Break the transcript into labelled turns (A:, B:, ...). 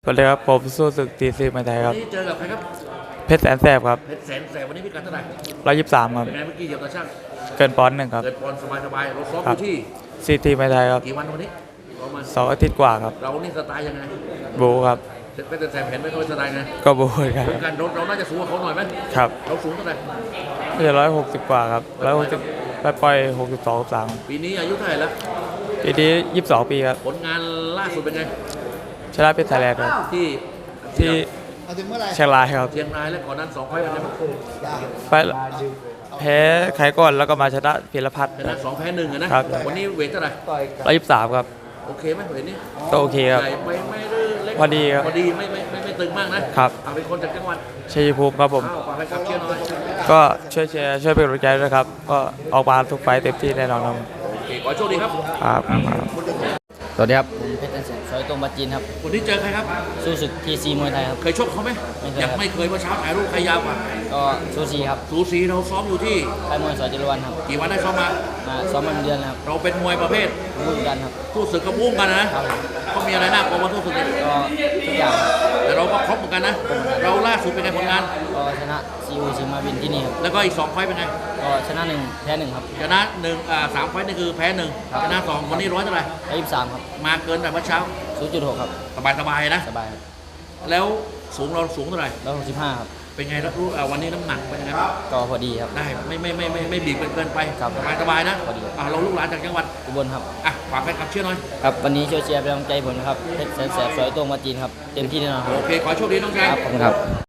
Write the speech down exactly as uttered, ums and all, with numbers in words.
A: สวัสดีครับผมสู้ศึกทีซีมาไทยครับ
B: วันนี้เจอกับใครครับ
A: เพชรแสนแสบครับ
B: เพชรแสนแสบวันนี้พิกัดเท่าไหร่
A: ร้อยยี่สิบสามครับ
B: เป็นไงเมื่อกี้เหยียบตาช่าง
A: เกินปอนด์หนึ่งครับ
B: เกิดบอลสบายๆเราซ้อมอยู่ที่
A: ซีทีมาไทยครับ
B: กี่วันวันนี้ประมาณ
A: สองอาทิตย์กว่าครับ
B: เรานี่สไตล์ยังไง
A: บูครับ
B: เพชรแสนแสบเห็นไหมเขาเป็นสไตล์ไง
A: ก็บูครับ
B: เป็นการเราเราน่าจะสูงกว่าเขาหน่อยไหม
A: ครับ
B: เราสูงเท่าไหร่
A: ไม่ใช่ร้อยหกสิบกว่าครับร้อยหกสิบไปปล่อยหกสิบสองสาม
B: ปีนี้อายุเท่าไหร่แล้ว
A: ปีนี้ยี่สิบสองปีครับ
B: ผลงานล่าสุดเป็นไง
A: ชนะเป็นไทยแลนด์ครับ
B: ที่
A: ที่เชียงรายครับ
B: เชียงรายและก่อนนั้นสองไฟล์เป็นไงบ้าง
A: ไปแพ้ใครก่อนแล้วก็มาชนะพิรพัฒน์
B: ชนะสองแพ้หนึ่งนะครับวันนี้เวทเท่าไหร่
A: ร้อยยี่สิบสามครับ
B: โอเคไหมเวทนี้
A: ก็โอเคครับ
B: ใหญ่ไม่ไม่ได้เล็ก
A: พอดีครับ
B: พอดีไม่ไม่ไม่ไม่ตึงมากนะครับเอาเป็นคนจากจังหวัด
A: ชัยภูมิครับผม
B: ฝากให้ขับเชียร์หน่อย
A: ก็ช่วยเชียร์ช่วยเป็นกำลังใจด้วยครับก็ออกมาทุกไฟเต็มที่แน่นอนครับ
B: โอเคขอโชคดีครับ
A: ครับ
C: สวัสดีครับผมเพชรแสนซอยตรงบัจจินครับ
B: วันนี้เจอใครครับ
C: สู้ศึกทีซีมวยไทยครับ
B: เคยชกเขาไหมยังไม่เคยเมื่อเช้าถ่ายรูปใครยาวกว่า
C: ก็สูสีครับ
B: สูสีเราซ้อมอยู่ที่
C: ค่ายมวยสอยจรวันครับ
B: กี่วันได้ซ้อมมา
C: มาซ้อมมาเดือนแล้วครับ
B: เราเป็นมวยประเภท
C: รุ่นกันครับ
B: สู้ศึกกระบุ้งกันนะครับเขามีอะไรน่ากลัวมาสู้ศึกเนี่ย
C: ก็ทุกอย่าง
B: แต่เราก็ครบเหมือนกันนะเราล่าสุดเป็นไงผลงาน
C: ก็ชนะซีอูซิมาวินที่นี่ครับ
B: แล้วก็อีกสองไฟเป็นไง
C: ก็ชนะหนึ่งแพ้หนึ่งครับ
B: ชนะหนึ่งอ่าสามไฟนี่คือแพ้หนึ่งชนะสองวันนี้ร้อยเท่าไหร่
C: ร้อยยี่สิบสามครับ
B: มาเกินแต่เมื่อเช้า
C: ศูนย์จุดหกครับ
B: สบายสบายนะ
C: สบายครับ
B: แล้วสูงเราสูงเท่าไหร่
C: ร้อยหกสิบห้าครับ
B: เป็นไงรู้วันนี้น้ำหนักเป็นยังไง
C: ก็พอดีครับ
B: ได้ไม่ไม่ไม่ไม่ไม่บีบเกินไป
C: ครับ
B: สบายสบายนะ
C: พอดี
B: เราลูกหลานจากจังหวัด
C: อุบลครับ
B: อ่ะฝากแฟนคลับเชียร์หน่อย
C: ครับวันนี้ช่วยเชียร์เป็นกำลังใจผมนะครับเพชรแสนแสบซอยตรงบัจจินครับเต็มที่แน่นอน
B: โอเคขอโชคดีน้องชาย
C: ครับขอบคุณครับ